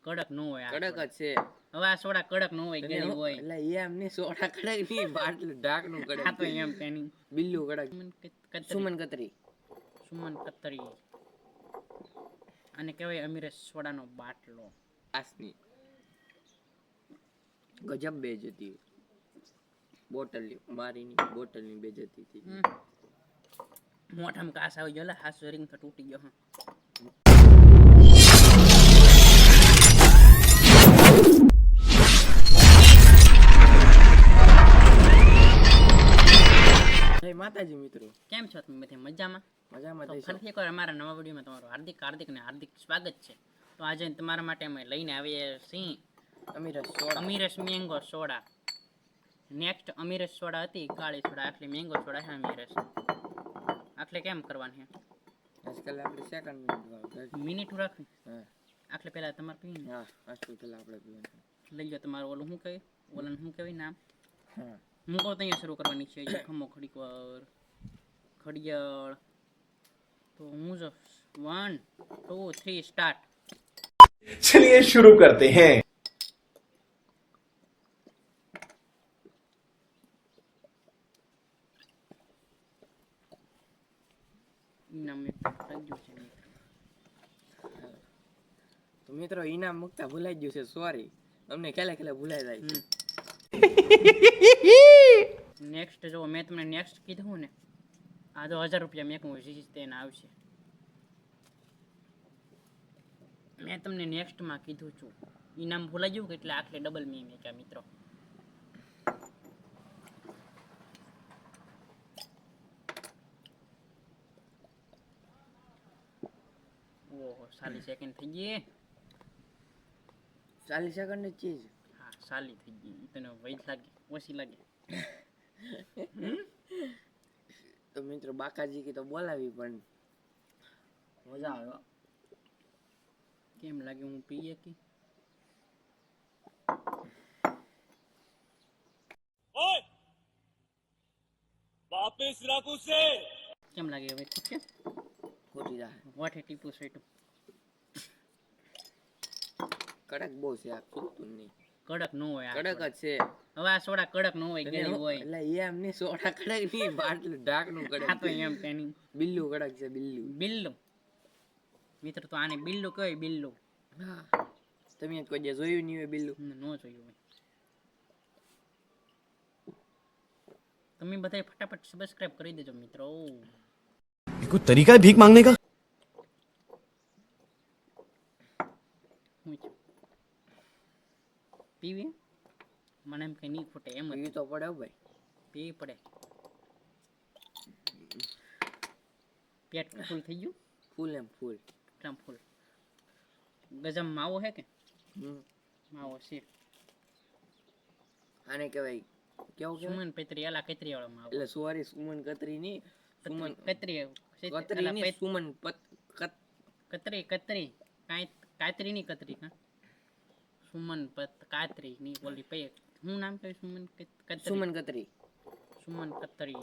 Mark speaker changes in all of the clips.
Speaker 1: કડક ન હોય આ
Speaker 2: કડક જ છે.
Speaker 1: હવે આ સોડા કડક ન હોય ગેલી હોય
Speaker 2: એટલે એમ ની સોડા કડક ની બાટલું ઢાકણું કડક.
Speaker 1: આ તો એમ તેની
Speaker 2: બિલ્લું કડક. સુમન કતરી.
Speaker 1: સુમન કતરી અને કહેવાય અમીરસ સોડાનો બાટલો.
Speaker 2: આસની ગજબ બેજતી બોટલની મારીની બોટલની બેજતી હતી.
Speaker 1: મોઢામાં કાસ આવી ગયો હાથ રિંગ તો તૂટી ગયો.
Speaker 2: જય માતાજી મિત્રો,
Speaker 1: કેમ છો તમે બધા? મજામાં?
Speaker 2: મજામાં
Speaker 1: તો
Speaker 2: થઈ
Speaker 1: ફરીથી એકવાર અમારા નવા વિડીયોમાં તમારું હાર્દિક સ્વાગત છે. તો આજે તમારા માટે અમે લઈને આવીએ છીએ અમીરસ મેંગો સોડા. નેક્સ્ટ અમીરસ સોડા હતી કાળી સોડા, આટલી મેંગો સોડા છે અમીરસ. આટલે કેમ કરવાની છે?
Speaker 2: આજકાલ આપણે સેકન્ડ
Speaker 1: મિનિટ રાખવી. આટલે પહેલા તમારે પીને.
Speaker 2: હા, આજકાલ પહેલા આપણે પીવાનું.
Speaker 1: લઈ જાઓ તમારું ઓલું શું કહે, ઓલાનું શું કહેવાય નામ? હા, હું કહું ત્યાં શરૂ કરવાની છે. ખમો ઘડીક વાર ઘડિયાળ. तो मुझे 1 2 3 स्टार्ट.
Speaker 3: चलिए शुरू करते हैं.
Speaker 2: તો મિત્રો ઇનામ મુકતા ભૂલાઈ ગયું છે, સોરી. અમને ખેલે ભૂલાઈ જાય છે.
Speaker 1: નેક્સ્ટ જો મેં તમને નેક્સ્ટ કીધું ને, આ તો 1000 રૂપિયા મેકવું છે તેને આવશે. મેં તમને નેક્સ્ટમાં કીધું છું, ઇનામ ભૂલાઈ ગયું કે એટલે આટલે ડબલ મેં મેક્યા મિત્રો. ઓહો 40 સેકન્ડ થઈ ગઈ.
Speaker 2: 40 સેકન્ડ જ ચીજ.
Speaker 1: હા 40 થઈ ગઈ. તને વૈદ લાગે ઓછી લાગે?
Speaker 2: તો મિત્રો બાકાજી કી તો બોલાવી પણ મજા આવે.
Speaker 1: કેમ લાગે હું પીએ કે? ઓય વાપસ રાખું છે. કેમ લાગે હવે ઠીક છે?
Speaker 2: ખોટી જાય.
Speaker 1: વોટ ટીપુ સેટુ
Speaker 2: કડક બહુ છે આ, ખૂટતું નહીં.
Speaker 1: કડક ન હોય આ.
Speaker 2: કડક જ છે.
Speaker 1: હવે આ સોડા કડક ન હોય ગેલી હોય.
Speaker 2: એટલે એમ ની સોડા કડક ની બાટલું ઢાકણું કડક.
Speaker 1: આ તો એમ તેની
Speaker 2: બિલ્લું કડક છે.
Speaker 1: બિલ્લું મિત્ર તો આને બિલ્લું કહેવાય. બિલ્લું.
Speaker 2: હા, તમે કોઈ જે જોયું નહીં હોય બિલ્લું?
Speaker 1: ન જોયું હોય. તમે બધા ફટાફટ સબસ્ક્રાઇબ કરી દેજો મિત્રો.
Speaker 3: कोई तरीका है भीख मांगने का?
Speaker 1: પીવી મને એમ કઈ નહીં ખૂટે એમ જ.
Speaker 2: પીવી તો પડે ભાઈ,
Speaker 1: પીવી પડે. પેટ ફૂલ થઈ ગયું.
Speaker 2: ફૂલ એમ ફૂલ
Speaker 1: એકદમ ફૂલ. ગજમ માવો હે કે? માવો છે.
Speaker 2: આને કહેવાય કેવું કે
Speaker 1: સુમન પતરી આલા કતરી વાળો માવો.
Speaker 2: એટલે સોરી સુમન કતરી ની, સુમન
Speaker 1: કતરી
Speaker 2: કતરી ની સુમન
Speaker 1: કતરી કાતરી ની કતરી કા સુમન કાતરી ની ઓલી પે હું નામ કહ્યું? સુમન કતરી. સુમન કતરી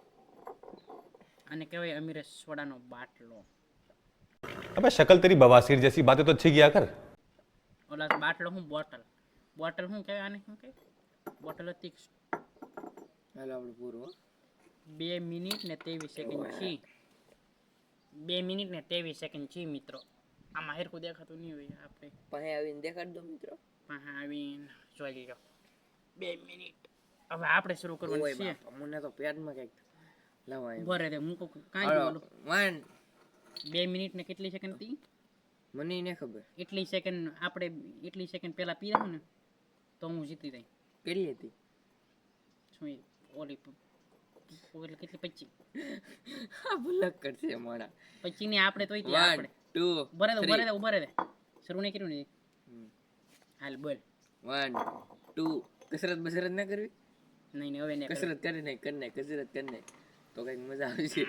Speaker 1: અને કહેવાય અમીરસ સોડાનો બાટલો.
Speaker 3: अबे शक्ल तेरी बवासीर जैसी बातें तो अच्छी किया कर.
Speaker 1: ઓલા બાટલો હું બોટલ શું કહેવાય આને? શું કહેવાય? બોટલ હતી.
Speaker 2: હાલો આપણે પૂરું.
Speaker 1: 2 મિનિટ ને 23 સેકન્ડ છે. 2 મિનિટ ને 23 સેકન્ડ છે મિત્રો. આમાં હેરકું દેખાતું નહીં હોય. આપણે
Speaker 2: પાસે આવીને દેખાડ દો મિત્રો.
Speaker 1: પાસે આવીને જોઈ લીધો. 2 મિનિટ. હવે આપણે શરૂ કરવાનું છે.
Speaker 2: મને તો પેટમાં કઈક લાવાય.
Speaker 1: બરે દે હું કાંઈ બોલું.
Speaker 2: 1
Speaker 1: 2 મિનિટ ને કેટલી સેકન્ડ હતી?
Speaker 2: મને નહીં ખબર.
Speaker 1: એટલી સેકન્ડ આપણે એટલી સેકન્ડ પહેલા પી રહ્યો ને તો હું જીતી જાય.
Speaker 2: કેટલી હતી?
Speaker 1: શું ઓલી કેટલી 25?
Speaker 2: હા ભૂલક કરશે મોડા.
Speaker 1: 25 ની આપણે તોય થી આપણે
Speaker 2: 2
Speaker 1: ઉભરે દે શરૂ નહીં કર્યું ને. હાલ બોલ.
Speaker 2: 1 2 કસરત ના કરવી?
Speaker 1: નહીં હવે નહીં.
Speaker 2: કસરત કરી નહીં તો કઈક મજા આવશે.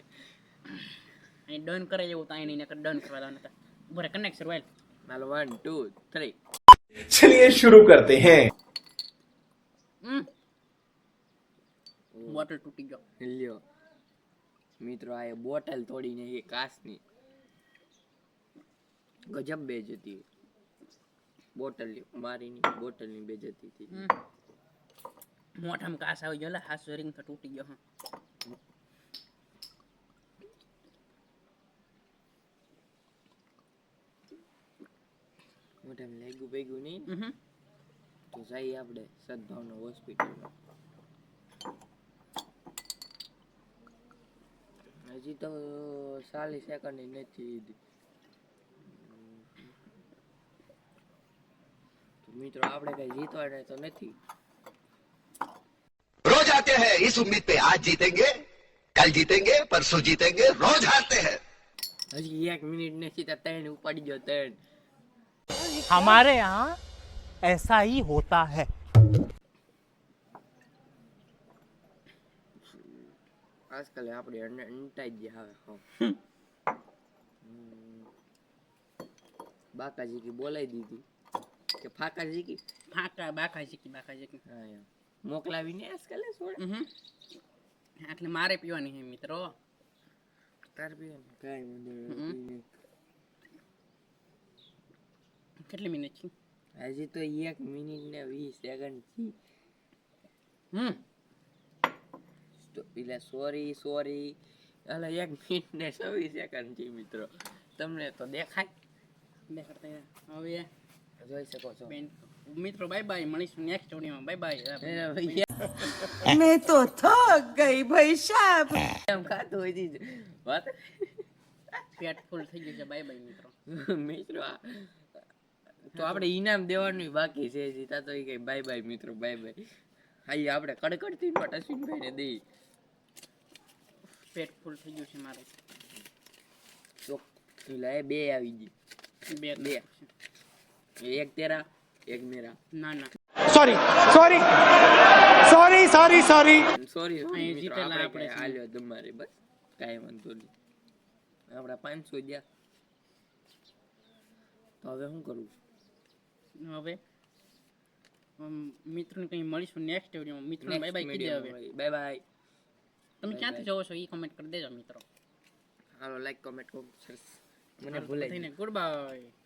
Speaker 1: અહીં ડન કરે એવું તો અહીં નહીં ડન કરવા દો નતા. ઉભરે કનેક્ટ શરૂ.
Speaker 2: હાલો 1 2 3.
Speaker 3: चलिए शुरू करते हैं.
Speaker 1: બોટલ તૂટી ગયો.
Speaker 2: લ્યો મિત્રો, આ બોટલ તોડીને એ કાચની ગજબ બેજ હતી. બોટલ મારીની બોટલની બેજતી થઈ
Speaker 1: હમ. મોઢામાં કાસ આવી ગયો, હાથ જોરીને તો તૂટી ગયો.
Speaker 2: મોઢામાં લાગ્યું ભેગું નહીં
Speaker 1: હમ.
Speaker 2: તો જઈએ આપણે સદભાવના હોસ્પિટલમાં. હજી તો 40 સેકન્ડ નથી લીધી. તો મિત્રો આપણે કઈ જીતવાના તો નથી.
Speaker 4: रोज आते हैं इस उम्मीद पे आज जीतेंगे कल जीतेंगे परसों जीतेंगे रोज हारते हैं
Speaker 2: હજી 1 મિનિટ નથી તો 3 ઉપાડી ગયો 3.
Speaker 5: हमारे यहाँ ऐसा ही होता है.
Speaker 2: આજકાલ આપણે અંટાઈ ગયા હવે. બાકાજી કી બોલાવી દીધી કે ફાકાજી કી
Speaker 1: બાકા શીખી.
Speaker 2: હા એમ મોકલાવીને આજકાલ છોડ
Speaker 1: એટલે મારે પીવાની છે મિત્રો.
Speaker 2: તાર બી કાઈ વાંધો નથી.
Speaker 1: કેટલી મિનિટ છે?
Speaker 2: હજી તો 1 મિનિટ ને 20 સેકન્ડ થી. તો એટલે સોરી અલે 1 મિનિટ ને 26 સેકન્ડ થી મિત્રો. તમને તો દેખાય
Speaker 1: હવે
Speaker 2: જોઈ શકો છો.
Speaker 1: બેન મિત્રો બાય બાય, મળીશું નેક્સ્ટ વિડીયોમાં. Bye bye.
Speaker 6: मैं तो थक गई भाई साहब.
Speaker 2: એમ ખાતું હોય દીધું વાત
Speaker 1: પેટ ફૂલ થઈ ગયું છે. બાય બાય મિત્રો.
Speaker 2: મિત્રો તો આપણે ઇનામ દેવાનું બાકી છે હજી. તા તો એ કઈ બાય બાય મિત્રો બાય બાય. હા આપણે કડકડતી નોટ અશ્વિનભાઈ ને દઈ.
Speaker 1: પેટ ફૂલ થઈ ગયું છે મારું.
Speaker 2: તો પેલા એ 2 આવી ગઈ.
Speaker 1: બે
Speaker 2: બે. એક તેરા એક મેરા.
Speaker 1: ના ના
Speaker 5: Sorry, sorry, sorry, sorry, sorry.
Speaker 2: Sorry
Speaker 1: અહીં જીતેલા આપણે છીએ.
Speaker 2: આલ્યો તમારે બસ કાંઈ વાંધો નહીં. આપણા 500 ગયા. તો હવે શું કરવું?
Speaker 1: હવે મિત્રોને કંઈ મળીશું નેક્સ્ટ વિડીયોમાં. મિત્રો બાય બાય કીધે હવે.
Speaker 2: Bye bye.
Speaker 1: તમે ક્યાંથી જોવો છો એ કમેન્ટ કરી દેજો મિત્રો.
Speaker 2: હાલો લાઈક કોમેન્ટ કરો. મને ભૂલાઈ ગયું.
Speaker 1: Good bye.